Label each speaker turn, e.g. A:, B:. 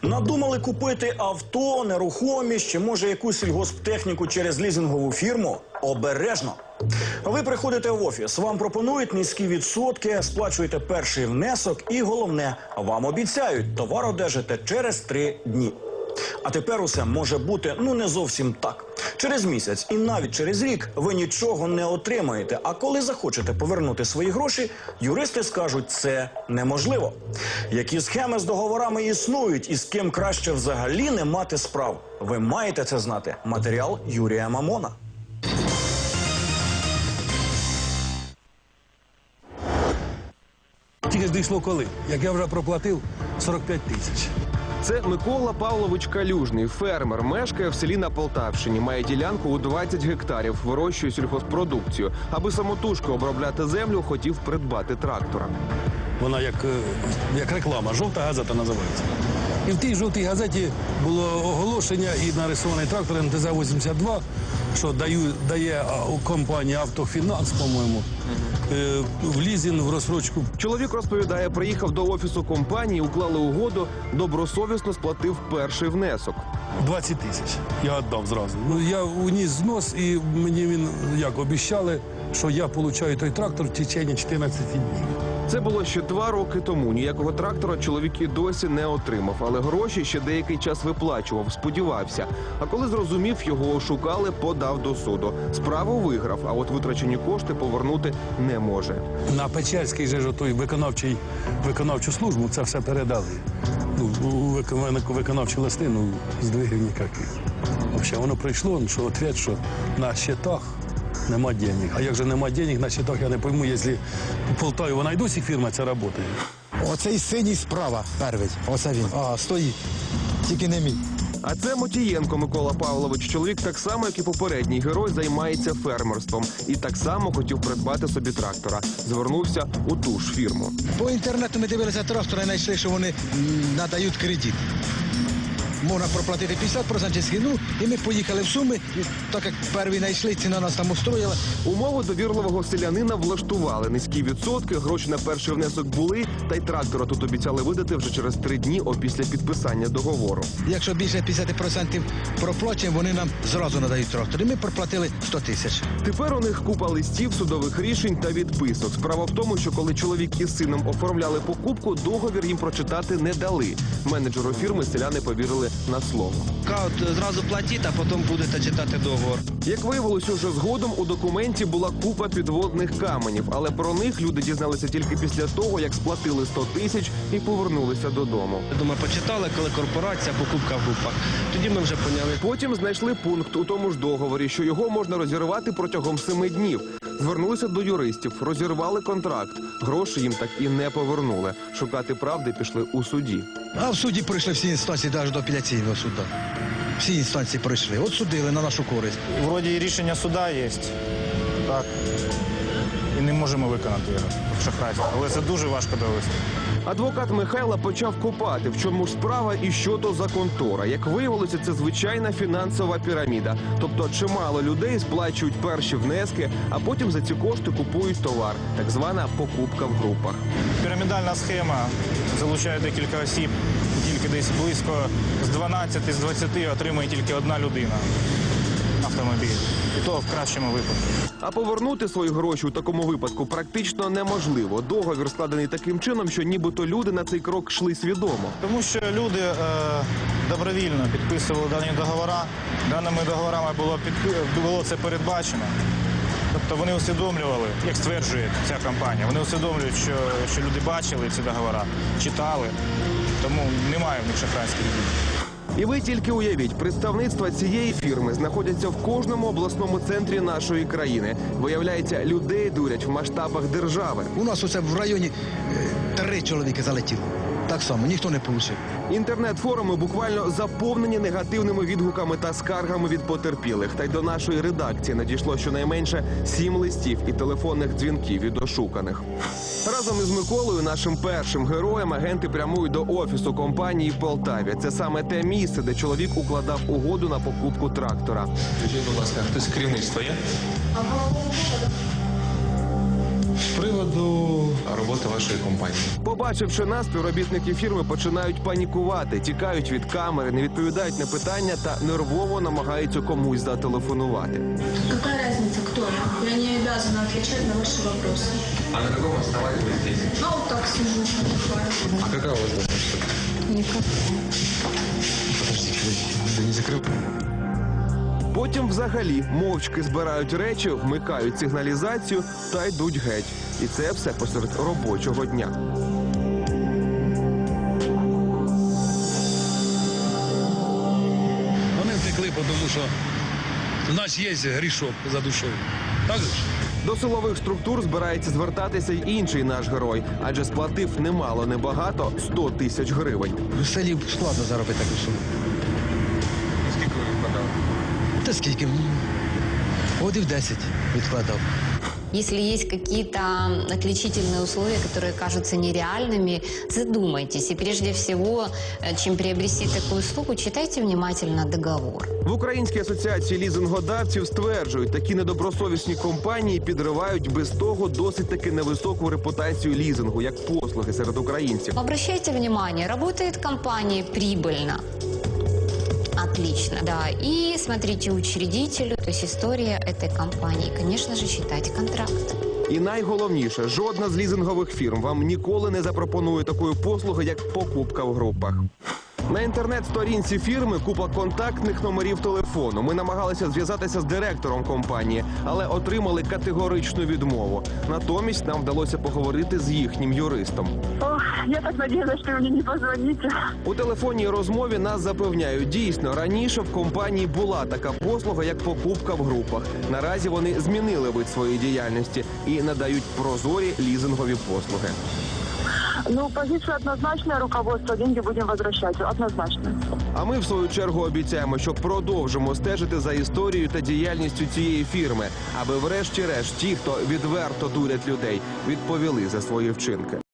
A: Надумали купити авто, нерухомість чи, може, якусь сільгосптехніку через лізингову фірму? Обережно. Ви приходите в офіс, вам пропонують низькі відсотки, сплачуєте перший внесок і, головне, вам обіцяють, товар одержите через 3 дні. А тепер усе може бути, не зовсім так. Через місяць і навіть через рік ви нічого не отримаєте. А коли захочете повернути свої гроші, юристи скажуть, це неможливо. Які схеми з договорами існують і з ким краще взагалі не мати справ? Ви маєте це знати. Матеріал Юрія Мамона.
B: Тільки ж дійшло коли? Як я вже проплатив 45 тисяч.
C: Це Микола Павлович Калюжний, фермер, мешкає в селі на Полтавщині, має ділянку у 20 гектарів, вирощує сільгоспродукцію. Аби самотужки обробляти землю, хотів придбати трактора.
B: Вона як реклама, жовта газета називається. І в тій жовтій газеті було оголошення і нарисований трактор МТЗ-82, що дає компанія «Автофінанс», по-моєму, в лізинг, в розсрочку.
C: Чоловік розповідає, приїхав до офісу компанії, уклали угоду, добросовісно сплатив перший внесок.
B: 20 тисяч я віддав зразу. Я уніс знос і мені обіцяли, що я отримаю той трактор в течение 14 днів.
C: Це було ще 2 роки тому. Ніякого трактора чоловік і досі не отримав, але гроші ще деякий час виплачував, сподівався. А коли зрозумів, його ошукали, подав до суду. Справу виграв, а от витрачені кошти повернути не може.
B: На Печерський же той виконавчу службу це все передали. У виконавчу листи, здвигів ніяких. Взагалі, воно прийшло, що відповідь, що на щитах нема денег. А як же нема денег на щитах, я не пойму, якщо у Полтаві вона й досі фірма ця працює.
D: Оцей синій справа перший, оце він. Стоїть, тільки не мій.
C: А це Мотієнко Микола Павлович. Чоловік так само, як і попередній герой, займається фермерством. І так само хотів придбати собі трактора. Звернувся у ту ж фірму.
D: По інтернету ми дивилися трактора і знайшли, що вони надають кредит. Можна проплатити 50% ціну, і ми поїхали в Суми, так як перші знайшли, ціна нас там устроїла.
C: Умови довірливого селянина влаштували. Низькі відсотки, гроші на перший внесок були, та й трактора тут обіцяли видати вже через 3 дні опісля підписання договору.
D: Якщо більше 50% проплачуємо, вони нам зразу надають трактор. І ми проплатили 100 тисяч.
C: Тепер у них купа листів, судових рішень та відписок. Справа в тому, що коли чоловік із сином оформляли покупку, договір їм прочитати не дали. Менеджеру фірми селяни повірили на слово.
E: Кажуть, зразу платіть, а потім будете читати договор.
C: Як виявилось уже згодом, у документі була купа підводних каменів, але про них люди дізналися тільки після того, як сплатили 100 тисяч і повернулися додому.
E: Я думаю, почитали, коли корпорація, покупка в групах. Тоді ми вже поняли.
C: Потім знайшли пункт у тому ж договорі, що його можна розірвати протягом 7 днів. Звернулися до юристів, розірвали контракт. Гроші їм так і не повернули. Шукати правди пішли у суді.
D: А в суді пройшли всі інстанції, навіть до апеляційного суду. Всі інстанції пройшли. От судили на нашу користь.
F: Вроді і рішення суда є, так, і не можемо виконати його, шахрайство. Але це дуже важко довести.
C: Адвокат Михайла почав копати, в чому ж справа і що то за контора. Як виявилося, це звичайна фінансова піраміда. Тобто чимало людей сплачують перші внески, а потім за ці кошти купують товар. Так звана покупка в групах.
F: Пірамідальна схема залучає декілька осіб, тільки десь близько з 12 з 20 отримує тільки одна людина автомобіль. І то в кращому випадку.
C: А повернути свої гроші у такому випадку практично неможливо. Договір складений таким чином, що нібито люди на цей крок йшли свідомо.
F: Тому що люди добровільно підписували дані договори. Даними договорами було це передбачено. Тобто вони усвідомлювали, як стверджує ця компанія, вони усвідомлюють, що люди бачили ці договори, читали, тому немає в них шахрайських дій.
C: І ви тільки уявіть, представництва цієї фірми знаходяться в кожному обласному центрі нашої країни. Виявляється, людей дурять в масштабах держави.
D: У нас оце в районі 3 чоловіки залетіло. Так само, ніхто не получив.
C: Інтернет-форуми буквально заповнені негативними відгуками та скаргами від потерпілих. Та й до нашої редакції надійшло щонайменше 7 листів і телефонних дзвінків від ошуканих. Разом із Миколою, нашим першим героєм, агенти прямують до офісу компанії в Полтаві. Це саме те місце, де чоловік укладав угоду на покупку трактора.
G: Скажіть, будь ласка, хтось керівництво є? З приводу роботи вашої компанії.
C: Побачивши нас, співробітники фірми починають панікувати, тікають від камери, не відповідають на питання та нервово намагаються комусь зателефонувати.
H: Какая разница, кто я? Я не обязана отвечать на ваши вопросы.
G: А на каком основании вы здесь?
H: Ну, вот так сижу, отдыхаю.
G: А какая у вас должность?
H: Никакая.
G: Подождите, вы не закрыл?
C: Потім взагалі мовчки збирають речі, вмикають сигналізацію та йдуть геть. І це все посеред робочого дня.
B: Вони втекли, тому що в нас є грішок за душою. Так же ж?
C: До силових структур збирається звертатися й інший наш герой, адже сплатив немало, небагато – 100 тисяч гривень.
D: В селі складно заробити таку суму.
G: Скільки ви відкладали?
D: Та скільки? Годів 10 відкладав.
I: Если есть какие-то отличительные условия, которые кажутся нереальными, задумайтесь. И прежде всего, чем приобрести такую услугу, читайте внимательно договор.
C: В Українській асоціації лізингодавців стверджують, такі недобросовісні компанії підривають без того досить таки невисоку репутацію лізингу, як послуги серед українців.
I: Обращайте внимание, работает компания прибыльно. Отлично, да. И смотрите учредителю, то есть история этой компании. И, конечно же, читайте контракт.
C: І найголовніше, жодна з лізингових фірм вам ніколи не запропонує такої послуги, як покупка в групах. На інтернет-сторінці фірми купа контактних номерів телефону. Ми намагалися зв'язатися з директором компанії, але отримали категоричну відмову. Натомість нам вдалося поговорити з їхнім юристом.
J: Ох, я так надеялась, что вы мне не позвоните.
C: У телефонній розмові нас запевняють, дійсно, раніше в компанії була така послуга, як покупка в групах. Наразі вони змінили вид своєї діяльності і надають прозорі лізингові послуги.
J: Ну, позиция однозначная, руководство, деньги будем возвращать, однозначно.
C: А ми, в свою чергу, обіцяємо, що продовжимо стежити за історією та діяльністю цієї фірми, аби врешті-решт ті, хто відверто дурять людей, відповіли за свої вчинки.